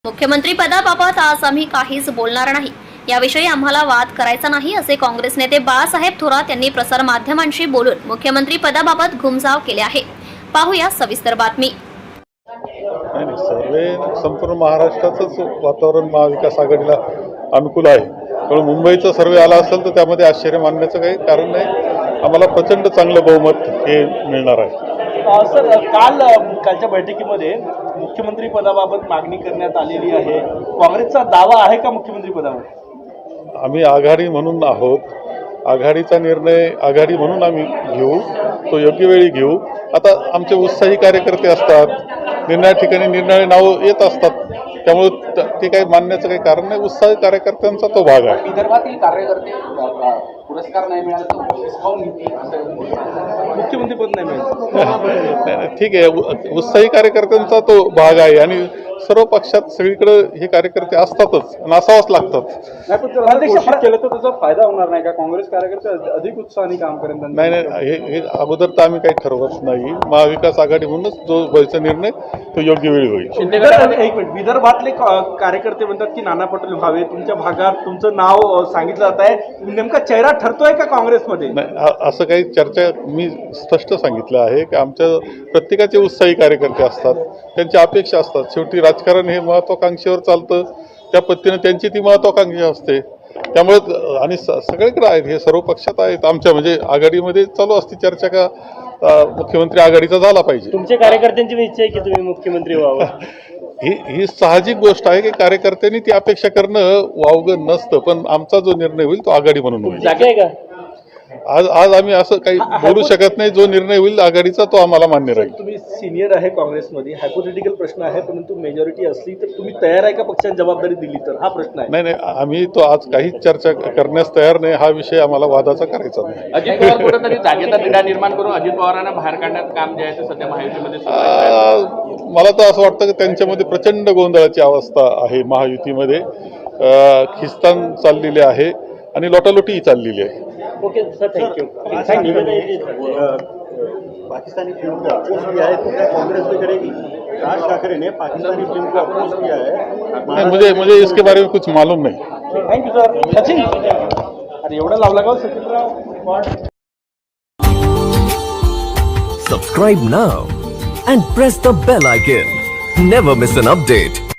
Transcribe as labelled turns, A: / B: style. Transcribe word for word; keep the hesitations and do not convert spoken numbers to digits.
A: मुख्यमंत्री पदाबाबत आज आम्ही काहीच बोलणार नाही, याविषयी आम्हाला वाद करायचा नाही, असे काँग्रेस नेते बाळासाहेब थोरात यांनी प्रसार माध्यमांशी बोलून मुख्यमंत्री पदाबाबत घुमजाव केले आहे. पाहूया सविस्तर बातमी.
B: सर्वे संपूर्ण महाराष्ट्राचंच वातावरण महाविकास आघाडीला अनुकूल आहे. त्यामुळे मुंबईचा सर्वे आला असेल तर त्यामध्ये आश्चर्य मानण्याचं काही कारण नाही. आम्हाला प्रचंड चांगलं बहुमत हे मिळणार आहे.
C: सर, काल कालच्या बैठकीमध्ये मुख्यमंत्री पदाबाबत मागणी करण्यात आलेली आहे. काँग्रेसचा दावा आहे का मुख्यमंत्री पदावर?
B: आम्ही आघाडी म्हणून आहोत. आघाडीचा निर्णय आघाडी म्हणून आम्ही घेऊ, तो योग्य वेळी घेऊ. आता आमचे उत्साही कार्यकर्ते असतात, निर्णया ठिकाणी निर्णय नावं येत असतात, त्यामुळे ते काही मानण्याचं काही कारण नाही. उत्साही कार्यकर्त्यांचा तो भाग आहे.
D: विदर्भातील कार्यकर्ते पुरस्कार नाही मिळाला
C: मुख्यमंत्री पद नाही मिळालं,
B: ठीक आहे, उत्साही कार्यकर्त्यांचा तो भाग आहे आणि सर्व पक्षात सगळीकडे हे कार्यकर्ते असतातच आणि असावंच लागतात.
C: केलं तर त्याचा फायदा होणार नाही का? काँग्रेस कार्यकर्ते अधिक उत्साहाने काम करेल?
B: नाही नाही हे हे अगोदर तर आम्ही काही ठरवत नाही. महाविकास आघाडी म्हणूनच जो व्हायचा निर्णय तो योग्य वेळी होईल.
C: एक मिनिट, विदर्भातले कार्यकर्ते म्हणतात की नाना पटोले व्हावे. तुमच्या भागात तुमचं नाव सांगितलं जात आहे, नेमका चेहरा ठरतोय का काँग्रेसमध्ये?
B: नाही, असं काही चर्चा मी स्पष्ट सांगितलं आहे की आमच्या प्रत्येकाचे उत्साही कार्यकर्ते असतात, त्यांच्या अपेक्षा असतात. शेवटी राजकारण हे महत्वाकांक्षेवर चालतं, त्या पद्धतीने त्यांची ती महत्वाकांक्षा असते. त्यामुळे आणि सगळीकडे आहेत, हे सर्व पक्षात आहेत. आमच्या म्हणजे आघाडीमध्ये चालू असते चर्चा का मुख्यमंत्री आघाडीचा झाला पाहिजे.
C: तुमच्या कार्यकर्त्यांची इच्छा आहे की तुम्ही मुख्यमंत्री व्हावं?
B: ही ही साहजिक गोष्ट आहे की कार्यकर्त्यांनी ती अपेक्षा करणं वावगं नसतं, पण आमचा जो निर्णय होईल तो आघाडी म्हणून होईल.
C: जागा आहे का?
B: आज आज आम्ही असं काही बोलू शकत नाही. जो निर्णय होईल आघाडीचा तो आम्हाला मान्य राहील.
C: तुम्ही सिनियर आहे काँग्रेसमध्ये, हायपोथेटिकल प्रश्न आहे, परंतु मेजॉरिटी असली तर तुम्ही तयार आहे का पक्षाने जबाबदारी दिली तर? हा प्रश्न आहे.
B: नाही नाही, आम्ही तो आज काहीच चर्चा करण्यास तयार नाही. हा विषय आम्हाला वादाचा करायचा नाही.
D: अजित पवार कुठेतरी जागेचा तिढा निर्माण करून अजित पवारांना बाहेर काढण्यात काम जे आहे ते सध्या महायुतीमध्ये सुरू आहे.
B: मला तर असं वाटतं की त्यांच्यामध्ये प्रचंड गोंधळाची अवस्था आहे. महायुतीमध्ये खिस्तान चाललेली आहे आणि लोटालोटी चाललेली आहे.
C: Okay sir, thank you.
E: Pakistani film को अपोज किया है तो क्या कांग्रेस भी करेगी? राज ठाकरे ने पाकिस्तानी फिल्म को अपोज किया है.
B: नहीं, मुझे मुझे इसके बारे में कुछ मालूम नहीं.
C: Thank you sir. सचिन, अरे एवढा लावला का सचिनराव?
F: Subscribe now and press the bell icon. Never miss an update.